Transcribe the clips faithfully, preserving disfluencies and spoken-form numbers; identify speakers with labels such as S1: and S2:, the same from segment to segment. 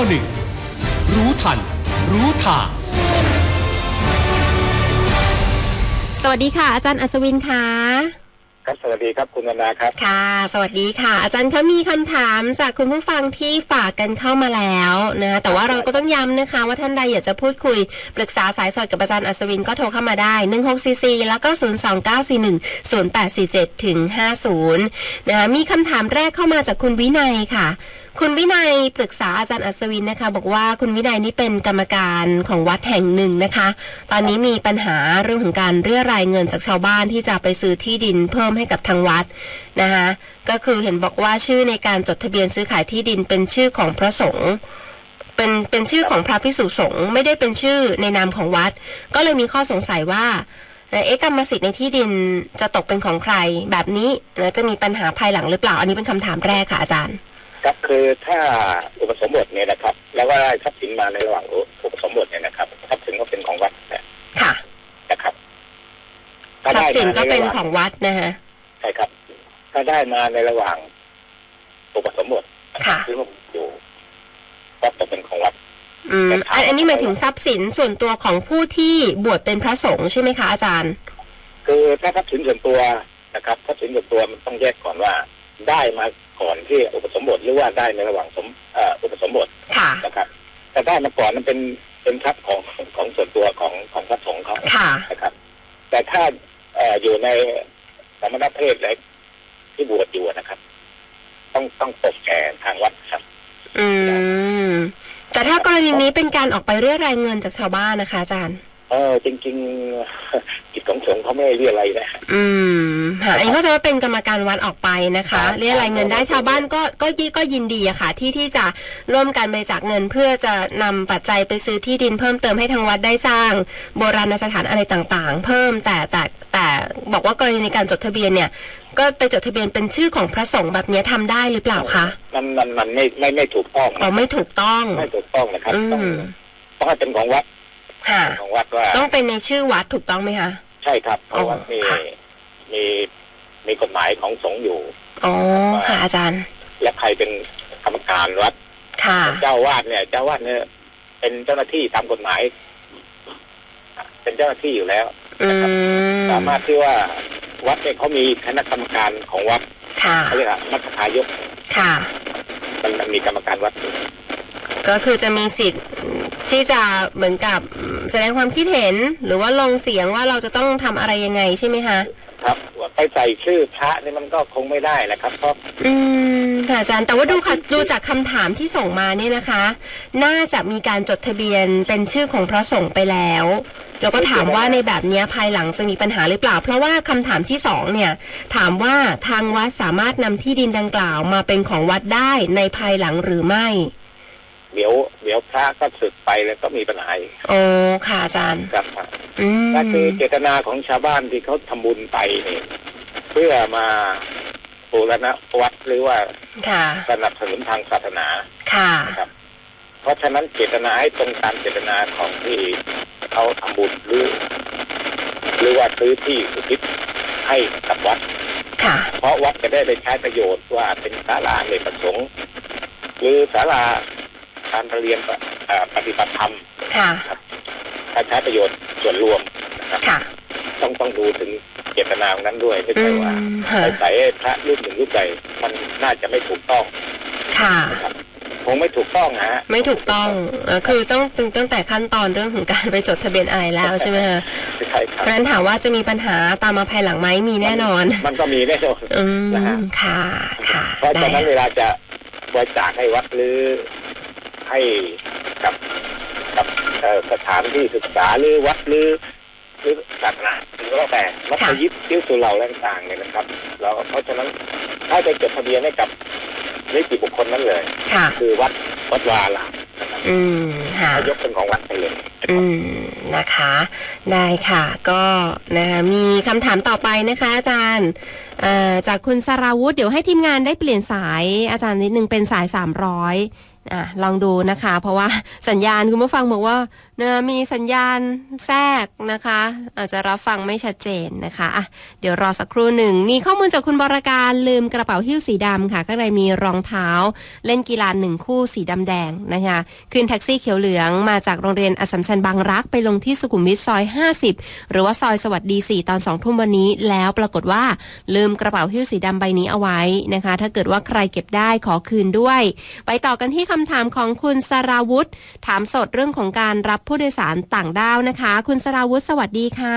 S1: หนึ่งรู้ทันรู้ทาง
S2: สวัสดีค่ะอาจารย์อัศวินค่ะ
S3: ครับสวัสดีครับคุณวรรณาครับ
S2: ค่ะสวัสดีค่ะอาจารย์คะมีคำถามจากคุณผู้ฟังที่ฝากกันเข้ามาแล้วนะแต่ว่าเราก็ต้องย้ำนะคะว่าท่านใดอยากจะพูดคุยปรึกษาสายสดกับอาจารย์อัศวินก็โทรเข้ามาได้หนึ่ง หก สี่ สี่แล้วก็ศูนย์ สอง เก้า สี่ หนึ่ง ศูนย์ แปด สี่ เจ็ด ถึง ห้าสิบนะคะมีคำถามแรกเข้ามาจากคุณวินัยค่ะคุณวินัยปรึกษาอาจารย์อัศวินนะคะบอกว่าคุณวินัยนี่เป็นกรรมการของวัดแห่งหนึ่งนะคะตอนนี้มีปัญหาเรื่องของการเรียรายเงินจากชาวบ้านที่จะไปซื้อที่ดินเพิ่มให้กับทางวัดนะคะก็คือเห็นบอกว่าชื่อในการจดทะเบียนซื้อขายที่ดินเป็นชื่อของพระสงฆ์เป็นเป็นชื่อของพระภิกษุสงฆ์ไม่ได้เป็นชื่อในนามของวัดก็เลยมีข้อสงสัยว่าเอ๊ะกรรมสิทธิ์ในที่ดินจะตกเป็นของใครแบบนี้แล้วจะมีปัญหาภายหลังหรือเปล่าอันนี้เป็นคำถามแรกค่ะอาจารย์
S3: ครับคือถ้าอุปสมบทเนี่ยนะครับแล้วก็ได้ทรัพย์สินมาในระหว่างอุปสมบทเนี่ยนะครับทรัพย์สินก็เป็นของวัด
S2: ค่ะ
S3: นะครับ
S2: ทรัพย์สินก็เป็นของวัดนะฮะ
S3: ใช่ครับถ้าได้มาในระหว่างอุปสมบท
S2: ค่ะ
S3: ที่อยู่ก็ตกเป็นของวัด
S2: อืมอันนี้หมายถึงทรัพย์สินส่วนตัวของผู้ที่บวชเป็นพระสงฆ์ใช่ไหมคะอาจารย์
S3: คือถ้าทรัพย์สินส่วนตัวนะครับทรัพย์สินส่วนตัวมันต้องแยกก่อนว่าได้มาก่อนที่อุปสมบทหรือว่าได้ในระหว่างสมอุปสมบทนะครับแต่ได้มาก่อนนั้นเป็นเป็นทรัพย์ของของส่วนตัวของของพระสงฆ์เขานะครับแต่ถ้าอยู่ในสมณเพศอะไรที่บวชอยู่นะครับต้องต้องตกแก่ทางวัดครับ
S2: อืมแต่ถ้ากรณีนี้เป็นการออกไปเรียรายเงินจากชาวบ้านนะคะอาจารย์
S3: เออจริงๆกิจของสงฆ์เขาไม่เรียอะไรนะ
S2: อืมค่ะอันนี้ก็จะว่าเป็นกรรมการวัดออกไปนะคะเรียรายเงินได้ชาวบ้านก็ก็ก็ยินดีอะค่ะที่ที่จะร่วมกันบริจาคเงินเพื่อจะนำปัจจัยไปซื้อที่ดินเพิ่มเติมให้ทางวัดได้สร้างโบราณสถานอะไรต่างๆเพิ่มแต่แต่แต่บอกว่ากรณีในการจดทะเบียนเนี่ยก็ไปจดทะเบียนเป็นชื่อของพระสงฆ์แบบนี้ทำได้หรือเปล่าคะ
S3: มันมันมันไม่ไม่ไม่ถูกต้อง
S2: อ๋อไม่ถูกต้อง
S3: ไม่ถูกต้องนะครับต้องต้องให้เป็นของวัดของวัดว่า
S2: ต้องเป็นในชื่อวัดถูกต้องไหมคะ
S3: ใช่ครับเพราะว่ามีมีมีกฎหมายของสงฆ์อยู่
S2: อ๋อค่ะอาจารย์
S3: และใครเป็นกรรมการวัด
S2: ค่ะ
S3: เจ้าวาดเนี่ยเจ้าวาดเนี่ยเป็นเจ้าหน้าที่ตามกฎหมายเป็นเจ้าหน้าที่อยู่แล้วนะครับสามารถที่ว่าวัดเนี่ยเขามีคณะกรรมการของวัดเขาเรียกว่ามัคคายก
S2: ค่ะ
S3: มันมีกรรมการวัด
S2: ก็คือจะมีสิทธิ์ที่จะเหมือนกับแสดงความคิดเห็นหรือว่าลงเสียงว่าเราจะต้องทำอะไรยังไงใช่ไหมคะ
S3: ครับไปใส่ชื่อพระนี่มันก็คงไม่ได้แหละครับเพราะ
S2: อืมค่ะอาจารย์แต่ว่าดูค่ะดูจากคำถามที่ส่งมาเนี่ยนะคะน่าจะมีการจดทะเบียนเป็นชื่อของพระสงฆ์ไปแล้วแล้วก็ถามว่าในแบบนี้ภายหลังจะมีปัญหาหรือเปล่าเพราะว่าคำถามที่สองเนี่ยถามว่าทางวัดสามารถนำที่ดินดังกล่าวมาเป็นของวัดได้ในภายหลังหรือไม่
S3: เดี๋ยวเดี๋ยวพระก็สึกไปแล้วก็มีปัญหา
S2: โอ้ค่ะอาจารย์
S3: ครับนั่นคือเจตนาของชาวบ้านที่เขาทำบุญไปนี่เพื่อมาบูรณะวัดหรือว่าสนับสนุนทางศาสนา
S2: ค่ะ
S3: ครับเพราะฉะนั้นเจตนาให้ตรงตามเจตนาของที่เขาทำบุญหรือหรือว่าซื้อที่อุทิศให้กับวัด
S2: ค่ะ
S3: เพราะวัดจะได้ไปใช้ประโยชน์ว่าเป็นศาลาในประสงค์หรือศาลาการเรียนปฏิบัติธรรมครับใช้ประโยชน์ส่วนรวมนะครับต้องต้องดูถึงเจตนาของนั้นด้วยไม่ใช่ว่าใส่พระรูปหนึ่งรูปใดมันน่าจะไม่ถูกต้อง
S2: ค่ะ
S3: คงไม่ถูกต้องฮะ
S2: ไม่ถูกต้องคือต้องตั้งแต่ขั้นตอนเรื่องของการไปจดทะเบียนอะไรแล้วใช่ไหมคะ
S3: ใช่ครับ
S2: เพราะฉะนั้นถามว่าจะมีปัญหาตามมาภายหลังไหมมีแน่นอน
S3: มันก็มีแน่นอน
S2: นะฮะค่ะค่ะ
S3: เพราะฉะนั้นเวลาจะบริจาคให้วัดหรือให้กับกับสถานที่ศึกษาหรือวัดหรือหรือศาสนาหรือว่าแต่มัธยิดที่สุเหร่าต่างๆเนี่ยนะครับเราเพราะฉะนั้นถ้าจะจดทะเบียนให้กับนิติบุคคลนั้นเลยคือวัดวัดวาลา
S2: อืมค่ะ
S3: ยกเป็นของวัดไปเลย
S2: อืมนะคะได้ค่ะก็นะคะมีคำถามต่อไปนะคะอาจารย์จากคุณสราวุธเดี๋ยวให้ทีมงานได้เปลี่ยนสายอาจารย์นิดนึงเป็นสายสามร้อยอ่ะลองดูนะคะเพราะว่าสัญญาณคุณผู้ฟังบอกว่านะมีสัญญาณแทรกนะคะอาจจะรับฟังไม่ชัดเจนนะคะอ่ะเดี๋ยวรอสักครู่หนึ่งมีข้อมูลจากคุณบรการลืมกระเป๋าหิ้วสีดำค่ะข้างในมีรองเท้าเล่นกีฬาหนึ่งคู่สีดำแดงนะคะขึ้นแท็กซี่เขียวเหลืองมาจากโรงเรียนอัสสัมชัญบางรักไปลงที่สุขุมวิทซอยห้าสิบหรือว่าซอยสวัสดีสี่ตอนสองทุ่มวันนี้แล้วปรากฏว่าลืมกระเป๋าหิ้วสีดำใบนี้เอาไว้นะคะถ้าเกิดว่าใครเก็บได้ขอคืนด้วยไปต่อกันที่คำถามของคุณสราวุธถามสดเรื่องของการรับผู้โดยสารต่างด้าวนะคะคุณสราวุธสวัสดีค่ะ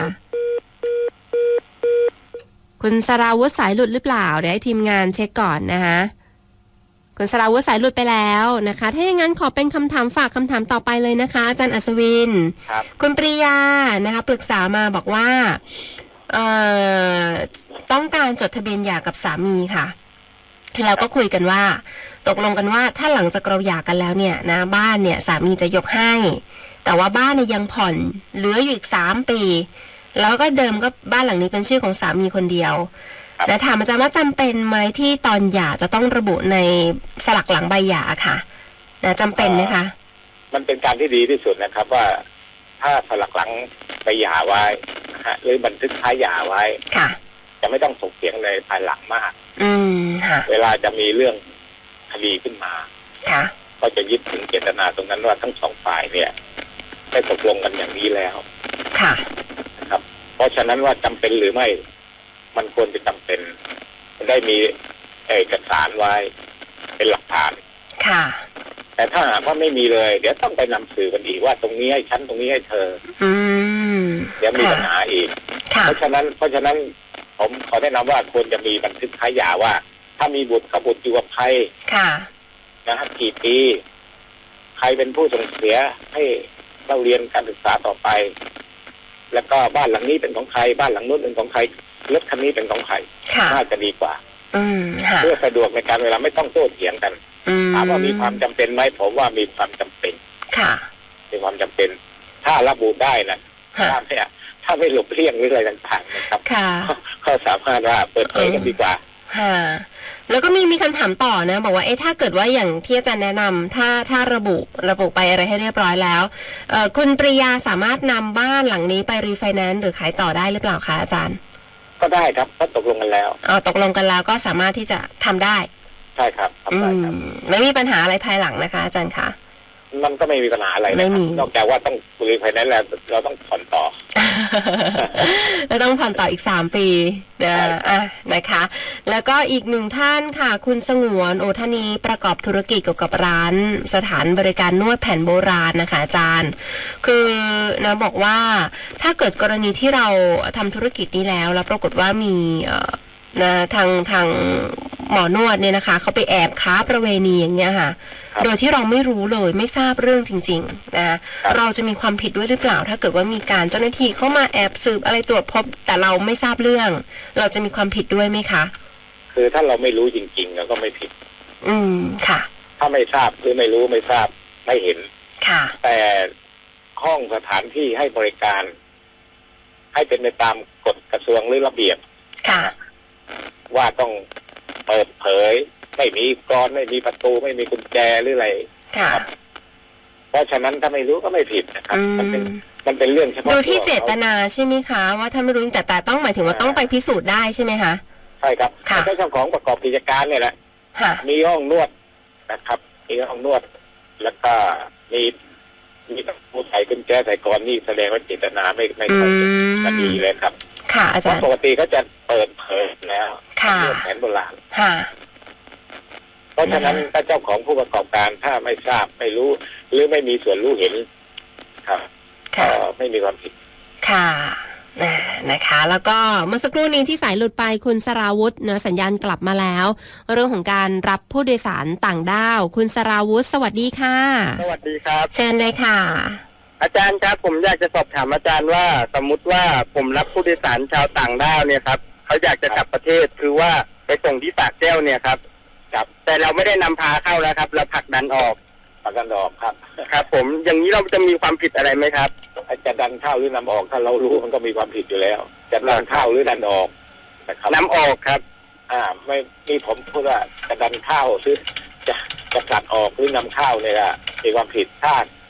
S2: คุณสราวุธสายหลุดหรือเปล่าเดี๋ยวให้ทีมงานเช็คก่อนนะคะคุณสราวุธสายหลุดไปแล้วนะคะถ้าอย่างนั้นขอเป็นคำถามฝากคำถามต่อไปเลยนะคะอาจารย์อัศวิน
S3: ครับ
S2: คุณปริยานะคะปรึกษามาบอกว่าเอ่อต้องการจดทะเบียนหย่ากับสามีค่ะแล้วก็คุยกันว่าตกลงกันว่าถ้าหลังจากเราหย่ากันแล้วเนี่ยนะบ้านเนี่ยสามีจะยกให้แต่ว่าบ้านเนี่ยยังผ่อนเหลืออยู่อีกสามปีแล้วก็เดิมก็บ้านหลังนี้เป็นชื่อของสามีคนเดียวนะถามอาจารย์ว่าจำเป็นไหมที่ตอนหย่าจะต้องระบุในสลักหลังใบหย่าค่ะนะจำเป็นไหมคะ
S3: มันเป็นการที่ดีที่สุดนะครับว่าถ้าสลักหลังใบหย่าไว้นะฮะหรือบันทึกท้ายหย่าไว้
S2: ค่ะ
S3: จะไม่ต้องถกเถียงในภายหลังมาก
S2: อืมค่ะ
S3: เวลาจะมีเรื่องคดีขึ้นมา
S2: ค่ะ
S3: ก็จะยึดถึงเจตนาตรงนั้นว่าทั้งสองฝ่ายเนี่ยได้ตกลงกันอย่างนี้แล้ว
S2: ค่ะ
S3: นะครับเพราะฉะนั้นว่าจำเป็นหรือไม่มันควรจะจำเป็นได้มีเอกสารไว้เป็นหลักฐาน
S2: ค่ะ
S3: แต่ถ้าหากว่าไม่มีเลยเดี๋ยวต้องไปนำสื่อกันอีกว่าตรงนี้ให้ฉันตรงนี้ให้เธอ
S2: อืม
S3: เดี๋ยวมีปัญหาอีกเพราะฉะนั้นเพราะฉะนั้นผมขอแนะนำว่าควรจะมีบันทึกท้ายหย่าว่าถ้ามีบุตรกับบุตรอยู่กับใคร
S2: ค่ะ
S3: นะฮะกี่ปีใครเป็นผู้ส่งเสียให้เราเรียนการศึกษาต่อไปแล้วก็บ้านหลังนี้เป็นของใครบ้านหลังนู้นเป็นของใครรถคันนี้เป็นของใครน่าจะดีกว่าเพื่อสะดวกในการเวลาไม่ต้องโต้เถียงกันถามว่ามีความจำเป็นไหมผมว่ามีความจำเป็น
S2: ค่ะ
S3: มีความจำเป็นถ้าระบุได้นะถ้าไม่ถ้าไม่หลบเลี่ยงหรืออะไรต่างๆนะครับก็สามารถว่าเปิดเผยกันดีกว่า
S2: ค่ะแล้วก็มีมีคำถามต่อนะบอกว่าเอ๊ะถ้าเกิดว่าอย่างที่อาจารย์แนะนำถ้าถ้าระบุระบุไปอะไรให้เรียบร้อยแล้วเอ่อคุณปริยาสามารถนำบ้านหลังนี้ไปรีไฟแนนซ์หรือขายต่อได้หรือเปล่าคะอาจารย์
S3: ก็ได้ครับก็ตกลงกันแล้ว
S2: อ๋อตกลงกันแล้วก็สามารถที่จะทำได้
S3: ใช่ครับทำได้ครับ
S2: ไม่มีปัญหาอะไรภายหลังนะคะอาจารย์คะ
S3: มันก็ไม่มีปัญหาอะไรนะนอกจากว่าต้องรีไฟแนนซ์แล้วเราต้องผ่อนต่อ
S2: เราต้องผ่อนต่ออีกสามปีนะอ่ะนะคะแล้วก็อีกหนึ่งท่านค่ะคุณสงวนโอทานีประกอบธุรกิจเกี่ยวกับร้านสถานบริการนวดแผนโบราณนะคะอาจารย์คือนะบอกว่าถ้าเกิดกรณีที่เราทำธุรกิจนี้แล้วแล้วปรากฏว่ามีนะทางทางหมอนวดเนี่ยนะคะเขาไปแอบค้าประเวณีอย่างเงี้ยค่ะโดยที่เราไม่รู้เลยไม่ทราบเรื่องจริงๆนะเราจะมีความผิดด้วยหรือเปล่าถ้าเกิดว่ามีการเจ้าหน้าที่เข้ามาแอบสืบอะไรตรวจพบแต่เราไม่ทราบเรื่องเราจะมีความผิดด้วยไหมคะ
S3: คือถ้าเราไม่รู้จริงๆเราก็ไม่ผิด
S2: อืมค่ะ
S3: ถ้าไม่ทราบหรือไม่รู้ไม่ทราบไม่เห็น
S2: ค่ะ
S3: แต่ห้องสถานที่ให้บริการให้เป็นไปตามกฎกระทรวงหรือระเบียบ
S2: ค่ะ
S3: ว่าต้องเปิดเผยไม่มีกรไม่มีประตูไม่มีกุญแจหรืออะไร
S2: ครับ
S3: เพราะฉะนั้นถ้าไม่รู้ก็ไม่ผิดนะครับมันเป็นมันเป็นเรื่องเฉพาะ
S2: ดูที่เจตนาใช่ไหมคะว่าถ้าไม่รู้แต่แต่ต้องหมายถึงว่าต้องไปพิสูจน์ได้ใช่ไหมคะ
S3: ใช่ครับเจ้าของประกอบกิจการเนี่ยแหละมีห้องนวดนะครับมีห้องนวดแล้วก็มีมีผู้ใส่กุญแจใส่กรนี่แสดงว่าเจตนาไม่ไม่ค่อยจะดีเลยครับ
S2: ค่ะอาจารย์
S3: ปกติก็จะเปิดเผยแล้ว
S2: ค่ะ
S3: แผนโบราณ
S2: ค่ะ
S3: เพราะฉะนั้นถ้าเจ้าของผู้ประกอบการถ้าไม่ทราบไม่รู้หรือไม่มีส่วนรู้เห็นครับก็ไม่มีความผิด
S2: ค่ะนะคะแล้วก็เมื่อสักครู่นี้ที่สายหลุดไปคุณสราวุธเนื้อสัญญาณกลับมาแล้วเรื่องของการรับผู้โดยสารต่างด้าวคุณสราวุธสวัสดีค่ะ
S4: สวัสดีครับ
S2: เชิญเลยค่ะ
S4: อาจารย์ครับผมอยากจะสอบถามอาจารย์ว่าสมมุติว่าผมรับผู้โดยสารชาวต่างด้าวเนี่ยครับเขาอยากจะกลับประเทศคือว่าไปส่งที่ปากแก้วเนี่ยครับครับแต่เราไม่ได้นำพาเข้าแล้วครับเราผลักดันออก
S3: ผลักดันออกครับ
S4: ครับผมอย่างนี้เราจะมีความผิดอะไรไหมครับ
S3: จะดันเข้าหรือนำออกถ้าเรารู้มันก็มีความผิดอยู่แล้วจะดันเข้าหรือดันออก
S4: นะครับนำออกครับ
S3: อ่าไม่มีผมพูดว่าจะดันเข้าหรือจะจะตัดออกหรือนำเข้าเนี่ยมีความผิดถ้า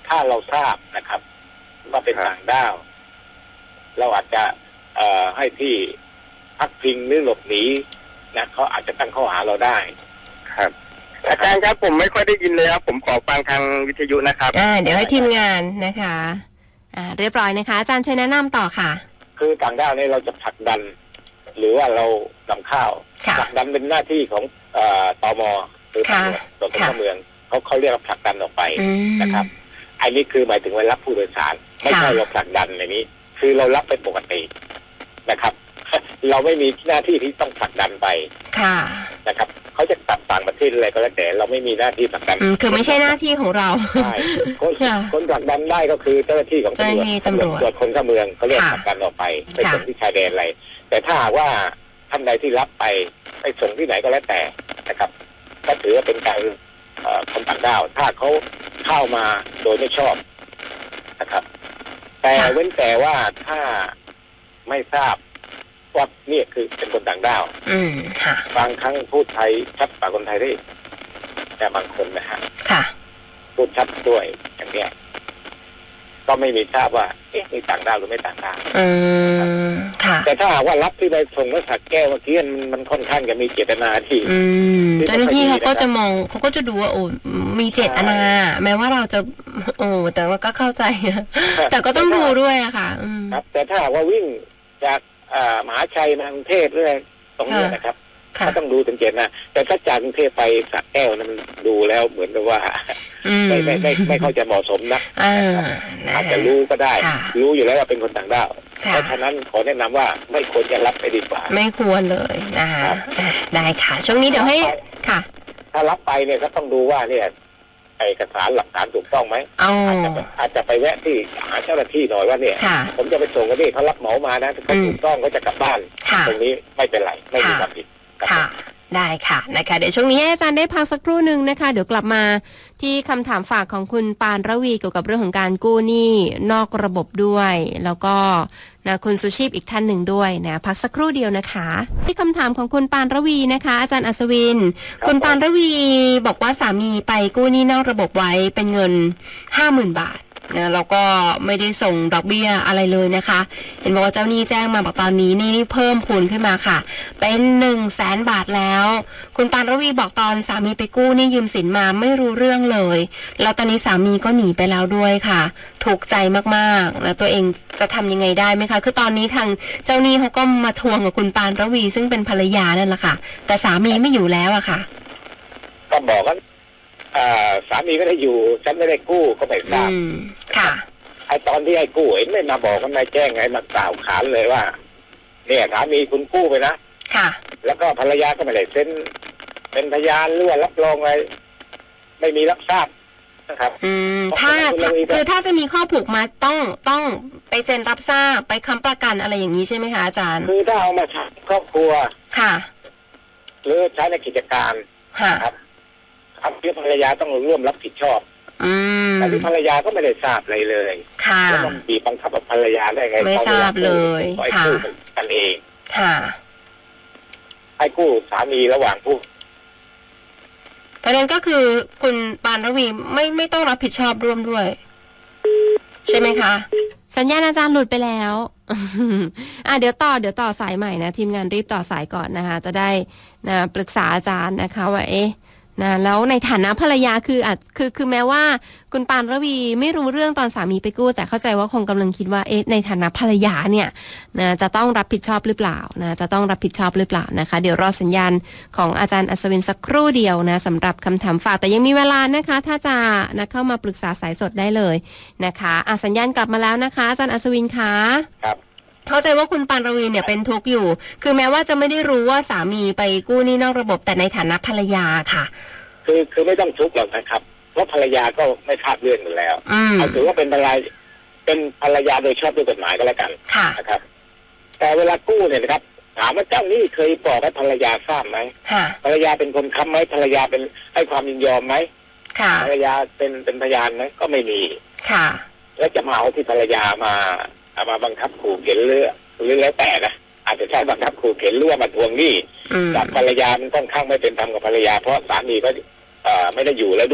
S3: ถ้าเราทราบนะครับว่าเป็นต่างด้าวเราอาจจะเอ่อให้ที่พักพิงหรือหลบหนีนะเขาอาจจะตั้งข้อหาเราได้
S4: ครับอาจารย์ครับผมไม่ค่อยได้ยินเลยครับผมขอฟังทางวิทยุนะครับ
S2: อ่าเดี๋ยวให้ทีมงานนะคะอ่าเรียบร้อยนะคะอาจารย์เชิญแนะนำต่อค่ะ
S3: คือต่างด้าวนี้เราจะผลักดันหรือว่าเรานำข้าวผลักดันเป็นหน้าที่ของเอ่อตม.หรือตำรวจตรวจคนเข้าเมืองเขาเขาเรียกว่าผลักดันออกไปนะครับอันนี้คือหมายถึงว่ารับผู้โดยสารไม่ใช่เราผลักดันในนี้คือเรารับเป็นปกตินะครับเราไม่มีหน้าที่ที่ต้องผลักดันไปนะครับเขาจะตัดต่างประเทศอะไรก็แล้วแต่เราไม่มีหน้าที่ผลักดัน
S2: คือไม่ใช่หน้าที่ของเรา
S3: ใช่คนคนผลักดันได้ก็คือเจ้าหน้าที่ของตำรวจตำรวจตรวจคนเข้าเมืองเขาเรียกผลักดันออกไปไปส่งที่ชายแดนอะไรแต่ถ้าว่าท่านใดที่รับไปไปส่งที่ไหนก็แล้วแต่นะครับก็ถือว่าเป็นการคนต่างด้าวถ้าเขาเข้ามาโดยไม่ชอบนะครับแต่เว้นแต่ว่าถ้าไม่ทราบว่านี่คือเป็นคนต่างด้าวบางครั้งพูดไทยชัดกว่าคนไทยได้แต่บางคนนะฮะพูดชัดด้วยอย่างเนี้ยก็ไม่มีทราบว่าเอ๊ะนี่ต่างด้าวหรือไม่ต่างด้าวแต่ถ้าหากว่ารับที่ใบส่งและสักแก้วเมื่อกี้มันมันค่อนข้างจะมีเจตนาที่
S2: เจ้าหน้าที่เขาก็จะมองเขาก็จะดูว่าโอ้มีเจตนาแม้ว่าเราจะโอ้แต่ว่าก็เข้าใจแต่ก็ต้องดูด้วยอะค่ะ
S3: ครับแต่ถ้าหากว่าวิ่งจากมหาชัยมากรุงเทพเรื่องตรงนี้นะครับก็ต้องดูถึงเจตนาแต่ถ้าจากกรุงเทพไปสักแก้วนั้นดูแล้วเหมือนกับว่าไม่ไม่ไม่ไม่เข้าจะเหมาะสมนะอาจจะรู้ก็ได้รู้อยู่แล้วว่าเป็นคนต่างด้าวเพราะฉะนั้นขอแนะนำว่าไม่ควรจะรับไปดีกว่า
S2: ไม่ควรเลยนะคะได้ค่ะช่วงนี้เดี๋ยวให้ค่ะ
S3: ถ้ารับไปเนี่ยก็ต้องดูว่าเนี่ยเอกสารหลักฐานถูกต้องไหมอาจจะอาจจะไปแวะที่หาเจ้าหน้าที่หน่อยว่าเนี่ยผมจะไปส่งกันนี่เขารับเหมามานะถ้าเขาถูกต้องก็จะกลับบ้านตรงนี้ไม่เป็นไรไม่มีความผิด
S2: ค่ะได้ค่ะนะคะเดี๋ยวช่วงนี้ให้อาจารย์ได้พักสักครู่หนึ่งนะคะเดี๋ยวกลับมาที่คำถามฝากของคุณปานระวีเกี่ยวกับเรื่องของการกู้หนี้นอกระบบด้วยแล้วก็นะคุณสุชีพอีกท่านหนึ่งด้วยนะพักสักครู่เดียวนะคะที่คำถามของคุณปานระวีนะคะอาจารย์อัศวินคุณปานระวีบอกว่าสามีไปกู้หนี้นอกระบบไว้เป็นเงิน ห้าหมื่น บาทนะแล้วก็ไม่ได้ส่งดอกเบี้ยอะไรเลยนะคะเห็นบอกว่าเจ้าหนี้แจ้งมาบอกตอนนี้นี่นี่เพิ่มพูนขึ้นมาค่ะเป็นหนึ่งแสนบาทแล้วคุณปานระวีบอกตอนสามีไปกู้นี่ยืมสินมาไม่รู้เรื่องเลยแล้วตอนนี้สามีก็หนีไปแล้วด้วยค่ะถูกใจมากๆแล้วตัวเองจะทำยังไงได้ไหมคะคือตอนนี้ทางเจ้าหนี้เขาก็มาทวงกับคุณปานระวีซึ่งเป็นภรรยานั่นแหละค่ะแต่สามีไม่อยู่แล้วอะค่ะ
S3: ก็บอกว่าสามีก็ได้อยู่ฉันไม่ได้กู้ก็ไม่ทราบ
S2: ค่ะ
S3: ไอตอนที่ไอ้กู้เห็นไม่มาบอกกันไม่แจ้งไงมากล่าวขานเลยว่าเนี่ยสามีคุณกู้ไปนะ
S2: ค่ะ
S3: แล้วก็ภรรยาก็ไม่ได้เซ็นเป็นพยานหรือว่ารับรองอะไรไม่มีรับทราบนะครับ
S2: อืมถ้าคือถ้าจะมีข้อผูกมัดต้องต้องไปเซ็นรับทราบไปค้ำประกันอะไรอย่างนี้ใช่ไหมคะอาจารย์
S3: คือถ้าเอามาใช้ครอบครัว
S2: ค่ะ
S3: หรือใช้ในกิจการครับที่ภรรยาต้องร่วมรับผิดชอบแต่ที่ภรรยาก็ไม่ได้ทราบอะไรเลย
S2: แล้ว
S3: มันบีบบังคับภรรยาได้ไง
S2: ไม่ทราบเลย
S3: ค่ะกันเอง
S2: ค่ะ
S3: ให้กู้สามีระหว่างผู้
S2: ประเด็นก็คือคุณปานระวีไม่ไม่ต้องรับผิดชอบร่วมด้วยใช่ไหมคะสัญญาณอาจารย์หลุดไปแล้วอ่ะเดี๋ยวต่อเดี๋ยวต่อสายใหม่นะทีมงานรีบต่อสายก่อนนะคะจะได้นะปรึกษาอาจารย์นะคะว่าเอ๊ะนะแล้วในฐานะภรรยาคืออาจคือคือแม้ว่าคุณปานระวีไม่รู้เรื่องตอนสามีไปกู้แต่เข้าใจว่าคงกำลังคิดว่าเอ๊ะในฐานะภรรยาเนี่ยนะจะต้องรับผิดชอบหรือเปล่านะจะต้องรับผิดชอบหรือเปล่านะคะเดี๋ยวรอสัญญาณของอาจารย์อัศวินสักครู่เดียวนะสำหรับคำถามฝากแต่ยังมีเวลานะคะถ้าจะนะเข้ามาปรึกษาสายสดได้เลยนะคะอ่ะสัญญาณกลับมาแล้วนะคะอาจารย์อัศวินคะ
S3: ครับ
S2: เข้าใจว่าคุณปานระวีเนี่ยเป็นทุกข์อยู่คือแม้ว่าจะไม่ได้รู้ว่าสามีไปกู้หนี้นอกระบบแต่ในฐานะภรรยาค่ะ
S3: คือคือไม่ต้องทุกข์หรอกนะครับเพราะภรรยาก็ไม่ทราบเรื่องอยู่แล้วเอาถือว่าเป็นภรรยาเป็นภรรยาโดยชอบด้วยกฎหมายก็แล้วกันนะครับแต่เวลากู้เนี่ยนะครับถามว่าเจ้าหนี้เคยบอกให้ภรรยาทราบไหมภรรยาเป็นคนค้ำไหมภรรยาเป็นให้ความยินยอมไหมภรรยาเป็นเป็นพยานไหมก็ไม่มี
S2: ค่ะ
S3: แล้วจะมาเอาที่ภรรยามาเอามาบังคับขู่เข็นเรือหรือแล้วแต่นะอาจจะใช้บังคับขู่เข็นหรือว่ามาทวงหนี้กับภรรยามันค่อนข้างไม่เป็นธรรมกับภรรยาเพราะสามีก็ไม่ได้อยู่แล้วด้วย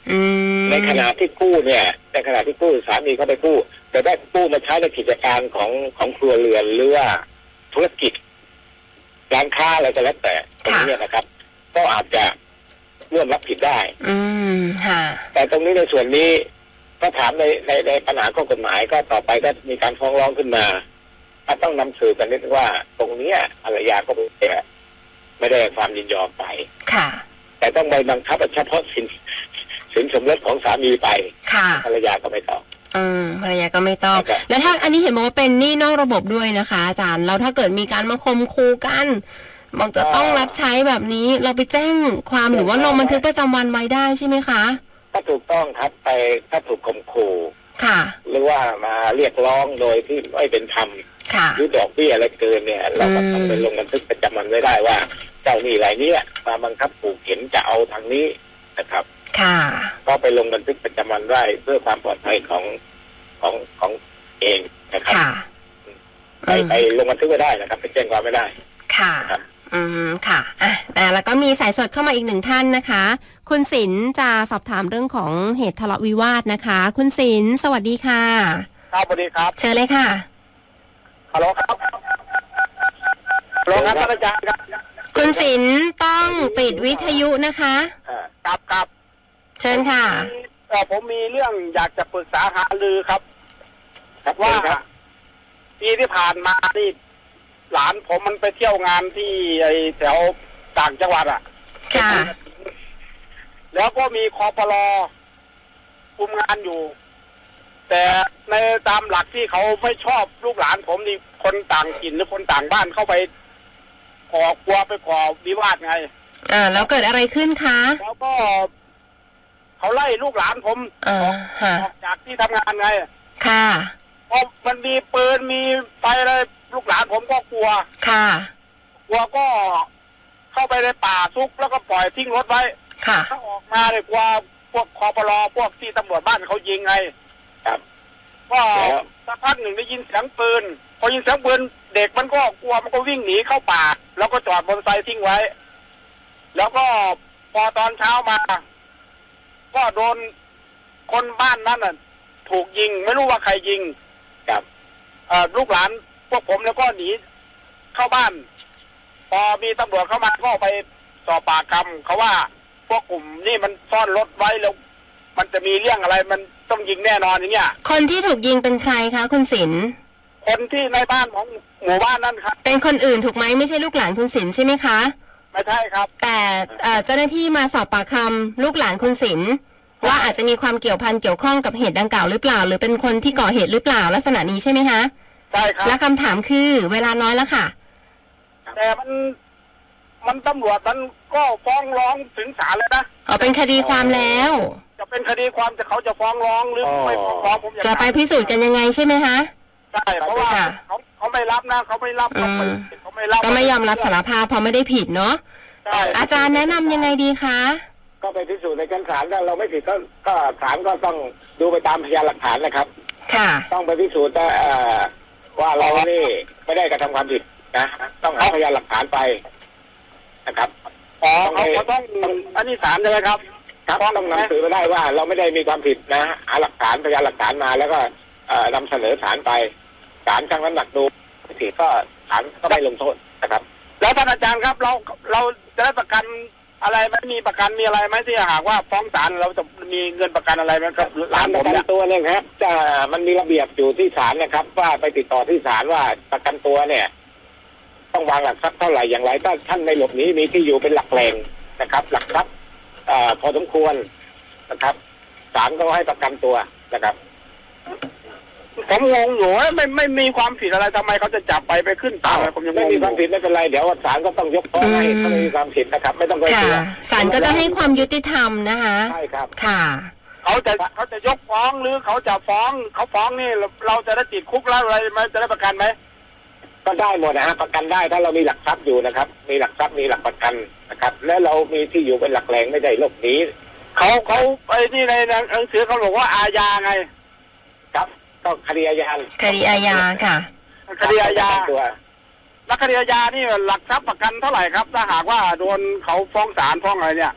S3: ในขณะที่กู้เนี่ยในขณะที่กู้สามีเขาไปกู้แต่ได้กู้มาใช้ในกิจการของของครัวเรือนหรือว่าธุรกิจร้านค้าอะไรก็แล้วแต่ตรงนี้นะครับก็อาจจะร่วมรับผิดได้
S2: อืมค่ะ
S3: แต่ตรงนี้ในส่วนนี้ก็ถามในในในปัญหาข้อกฎหมายก็ต่อไปก็มีการฟ้องร้องขึ้นมาถ้าต้องนำสืบกันนิดว่าตรงนี้ภรรยาก็ไม่ได้ความยินยอมไป
S2: ค่ะ
S3: แต่ต้องไปบังคับเฉพาะสินสินสมรสของสามีไป
S2: ค่ะ
S3: ภรรยาก็ไม่ต้อง
S2: อืมภรรยาก็ไม่ต้องแล้วถ้าอันนี้เห็นบอกว่าเป็นหนี้นอกระบบด้วยนะคะอาจารย์แล้วถ้าเกิดมีการมาข่มขู่กันบอกจะต้องรับใช้แบบนี้เราไปแจ้งความหรือว่าลงบันทึกประจำวันไว้ได้ใช่ไหมคะ
S3: ถ้าถูกต้องครับไปถ้าถูกข่มขู่
S2: ค่ะ
S3: หรือว่ามาเรียกร้องโดยที่ไม่เป็นธรรมหรือดอกเบี้ยอะไรเกินเนี่ยเราก็ต้องไปลงบันทึกประจำวันไว้ได้ว่าเจ้าหนี้รายนี้มาบังคับขู่เข็นจะเอาทางนี้นะครับ
S2: ค่ะ
S3: ก็ไปลงบันทึกประจำวันได้เพื่อความปลอดภัยของของของเองนะครับไปไปลงบันทึกไว้ได้นะครับไปแจ้งความไม่ได้
S2: ค่ะอืมค่ะอ่ะแต่แล้วก็มีสายสดเข้ามาอีกหนึ่งท่านนะคะคุณศิลป์จะสอบถามเรื่องของเหตุทะเลาะวิวาทนะคะคุณศิลป์สวัสดีค่ะ
S4: ครับสวัสดีครับ
S2: เชิญเลยค่ะ
S4: ฮัลโหลครับฮัลโหลครับอาจารย์ครับ
S2: คุณศิลป์ต้องปิดวิทยุนะคะ
S4: ครับครับ
S2: เชิญค่ะ
S4: ผมมีเรื่องอยากจะปรึกษาหารือครับว่าปีที่ผ่านมาที่หลานผมมันไปเที่ยวงานที่ไอ้แถวต่างจังหวัดอ่ะ
S2: ค่ะ
S4: แล้วก็มีคปล.คุมงานอยู่แต่ในตามหลักที่เขาไม่ชอบลูกหลานผมนี่คนต่างถิ่นหรือคนต่างบ้านเข้าไปก่อกลัวไปก่อวิวาทไง
S2: อ่าแล้วเกิดอะไรขึ้นคะ
S4: แล้วก็เขาไล่ลูกหลานผมออกจากที่ทำงานไง
S2: ค่ะ
S4: เพราะมันมีปืนมีไฟอะไรลูกหลานผมก็กลัว
S2: ค่ะ
S4: กลัวก็เข้าไปในป่าซุกแล้วก็ปล่อยทิ้งรถไว้
S2: ค่ะ
S4: ถ้าออกมาเลยกลัวพวกคปล.พวกที่ตำรวจบ้านเขายิงไง
S3: ครับ
S4: ก็สักพักหนึ่งได้ยินเสียงปืนพอยินเสียงปืนเด็กมันก็กลัวมันก็วิ่งหนีเข้าป่าแล้วก็จอดมอเตอร์ไซค์ทิ้งไว้แล้วก็พอตอนเช้ามาก็โดนคนบ้านนั้นน่ะถูกยิงไม่รู้ว่าใครยิง
S3: ครับ
S4: เอ่อลูกหลานพวกผมแล้วก็หนีเข้าบ้านพอมีตำรวจเข้ามาก็ไปสอบปากคำเขาว่าพวกกลุ่มนี่มันซ่อนรถไว้แล้วมันจะมีเรื่องอะไรมันต้องยิงแน่นอนอย่างเงี้ย
S2: คนที่ถูกยิงเป็นใครคะคุณศิลป์
S4: คนที่ในบ้านของหมู่บ้านนั่นครับ
S2: เป็นคนอื่นถูกไหมไม่ใช่ลูกหลานคุณศิลป์ใช่ไหมคะ
S4: ไม่ใช่ครับ
S2: แต่เจ้าหน้าที่มาสอบปากคำลูกหลานคุณศิลป์ว่าอาจจะมีความเกี่ยวพันเกี่ยวข้องกับเหตุดังกล่าวหรือเปล่าหรือเป็นคนที่ก่อเหตุหรือเปล่าลักษณะนี้ใช่ไหมคะ
S4: ใช่ครับ
S2: และคำถามคือเวลาน้อยแล้วค่ะ
S4: แต่มันมันตำรวจมันก็ฟ้องร้องถึงศาลเลยนะ
S2: อ๋อเป็นคดีความแล้ว
S4: จะเป็นคดีความแต่เขาจะฟ้องร้องหรือไม่ฟ้องร้องผม
S2: จะไปพิสูจน์กันยังไงใช่ไหมคะ
S4: ใช่เพราะว่าเขาเขาไม่รับนะเขาไม่รับเขาไม่รับ
S2: ก็ไม่ยอมรับสารภาพเพราะไม่ได้ผิดเนาะอาจารย์แนะนำยังไงดีคะ
S3: ก็ไปพิสูจน์ในชั้นศาลถ้าเราไม่ผิดก็ก็ศาลก็ต้องดูไปตามพยานหลักฐานนะครับ
S2: ค่ะ
S3: ต้องไปพิสูจน์ว่าเรานี่ไม่ได้กระทำความผิดนะต้องหาพยานหลักฐานไปนะครับ
S4: อ๋อเขาต้องอันนี้ศาลใช่ไหมครับ
S3: ครับต้องนำสือไปได้ว่าเราไม่ได้มีความผิดนะหาหลักฐานพยานหลักฐานมาแล้วก็นำเสนอศาลไปศาลชั่งน้ำหนักดูผิดก็ศาลก็ไม่ลงโทษนะครับ
S4: แล้วท่านอาจารย์ครับเราเราจะได้ประกันอะไรไม่มีประกันมีอะไรไหมที่หากว่าฟ้องศาลเราจะมีเงินประกันอะไรไหมครับ
S3: ร้านประกันตัวเนี่ยครับจะมันมีระเบียบอยู่ที่ศาลนะครับว่าไปติดต่อที่ศาลว่าประกันตัวเนี่ยต้องวางหลักทรัพย์เท่าไหร่อย่างไรถ้าท่านไม่หลบหนีมีที่อยู่เป็นหลักแหล่งนะครับหลักทรัพย์พอสมควรนะครับศาลก็ให้ประกันตัวนะครับ
S4: ผมงงอยู่ไม่ไม่มีความผิดอะไรทำไมเขาจะจับไปไปขึ้นศาลผมยัง
S3: ไม่มีความผิดไม่เป็นไรเดี๋ยวศาลก็ต้องยกฟ้องให้ถ้าไม่มีความผิดนะครับไม่ต้องไปกลัว
S2: ศาลก็จะให้ความยุติธรรมนะคะ
S3: ใช่ครับ
S2: ค่ะ
S4: เขาจะเขาจะยกฟ้องหรือเขาจะฟ้องเขาฟ้องนี่เราจะได้ติดคุกแล้วอะไรมันจะได้ประกันไหม
S3: ก็ได้หมดนะฮะประกันได้ถ้าเรามีหลักทรัพย์อยู่นะครับมีหลักทรัพย์มีหลักประกันนะครับแล้วเรามีที่อยู่เป็นหลักแหล่งไม่ได้หลบหนี
S4: เขาเขาไอ้นี่ในหนังสือเขาบอกว่าอาญาไง
S3: ครับก็คดีอาญา
S2: คดีอาญาค่ะ
S4: คดีอาญาแล้วคดีอาญานี่หลักทรัพย์ประกันเท่าไหร่ครับถ้าหากว่าโดนเขาฟ้องศาลฟ้องอะไรเนี่ย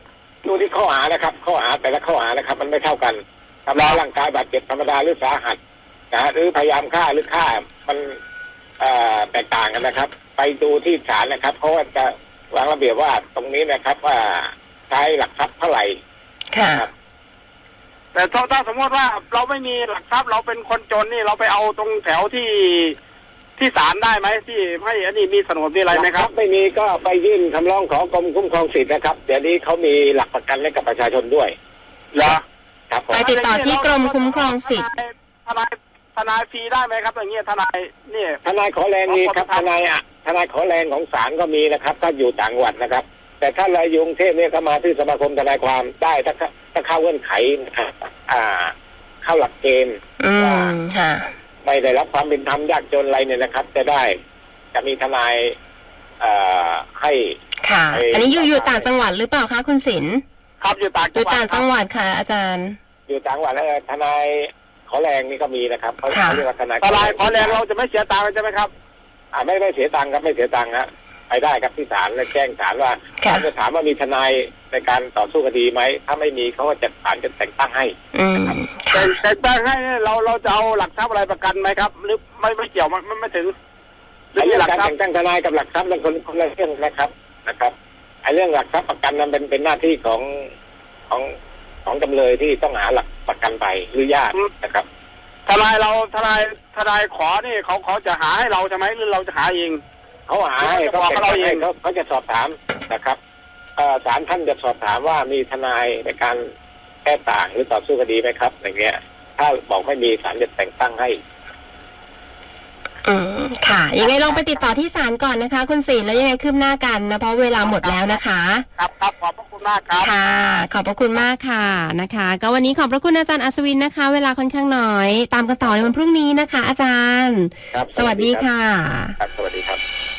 S3: ดูที่ข้อหานะครับข้อหาแต่ละข้อหานะครับ มันไม่เท่ากันทำร้ายร่างกายบาดเจ็บธรรมดาหรือสาหัสนะหรือพยายามฆ่าหรือฆ่ามันเอ่อแตกต่างกันนะครับ ไปดูที่ศาลนะครับเพราะว่าจะวางระเบียบว่าตรงนี้นะครับว่าใช้หลักทรัพย์เท่าไหร่ครับ
S4: แต่ถ้าถ้าสมมติว่าเราไม่มีหลักทรัพย์เราเป็นคนจนนี่เราไปเอาตรงแถวที่ที่ศาลได้ไหมที่ให้อันนี้มีสนดมีอะไรไหมครับ
S3: ไม่มีก็ไปยื่นคำร้องขอกรมคุ้มครองสิทธิ์นะครับเดี๋ยวนี้เขามีหลักประกันให้กับประชาชนด้วย
S4: เหรอ
S3: ครับ
S2: ไปติดต่อที่กรมคุ้มครองสิทธิ์
S4: ทนายทนายฟรีได้ไหมครับอย่างเงี้ยทนายนี่
S3: ทนายขอแรงมีครับทนายอ่ะทนายขอแรงของศาลก็มีนะครับถ้าอยู่ต่างจังหวัดนะครับแต่ถ้าเราอยู่กรุงเทพเนี่ยก็มาที่สมาคมทนายความได้ถ้าถ้าเข้าเงื่อนไขอ่าเข้าหลักเกณฑ์ว่าไม่ได้รับความเป็นธรรมยากจนอะไรเนี่ยนะครับจะได้จะมีทนายเอ่อให้
S2: ค่ะอันนี้อยู่อยู่ต่างจังหวัดหรือเปล่าคะคุณศิลป์
S4: ครับอยู่ต่าง
S2: อยู่ต่างจังหวัดค่ะอาจารย์
S3: อยู่ต่างจังหวัดแล้วทนายขอแรงนี่ก็มีนะครับเขาเรียกว่าทนาย
S4: ทนายขอแรงเราจะไม่เสียตังค์ใช่ไหมครับ
S3: อ่าไม่ไม่เสียตังค์ครับไม่เสียตังค์ครับไปได้ครับที่ศาลและแจ้งศาลว่าศาลจะถามว่ามีทนายในการต่อสู้คดีไหมถ้าไม่มีเขาก็จะศาลจะแต่งตั้งให้
S4: แต่แต่งตั้งให้เราเราจะเอาหลักทรัพย์อะไรประกันไหมครับหรือไม่ไม่เกี่ยวมันไม่ถึง
S3: เรื่องการแต่งตั้งทนายกับหลักทรัพย์เป็นคนคนละเรื่องนะครับนะครับไอ้เรื่องหลักทรัพย์ประกันนั้นเป็นเป็นหน้าที่ของของของจำเลยที่ต้องหาหลักประกันไปหรือญาตินะครับ
S4: ทนายเราทนายทนายขอนี่เขาเขาจะหาให้เราใช่ไหมหรือเราจะหาเอง
S3: เขาหาให้เขาแต่งตั้งให้เขาเขาจะสอบถามนะครับศาลท่านจะสอบถามว่ามีทนายในการแก้ต่างหรือต่อสู้คดีไหมครับอย่างเงี้ยถ้าบอกไม่มีศาลจะแต่งตั้งให้
S2: อืมค่ะยังไงลองไปติดต่อที่ศาลก่อนนะคะคุณศิลป์แล้วยังไงคืบหน้ากันนะเพราะเวลาหมดแล้วนะคะ
S4: ครับครับขอบพระคุณมากครับ
S2: ค่ะขอบพระคุณมากค่ะนะคะก็วันนี้ขอบพระคุณอาจารย์อัศวินนะคะเวลาค่อนข้างน้อยตามกันต่อในวันพรุ่งนี้นะคะอาจารย์
S3: ครับ
S2: สวัสดีค่ะ
S3: ครับสวัสดีครับ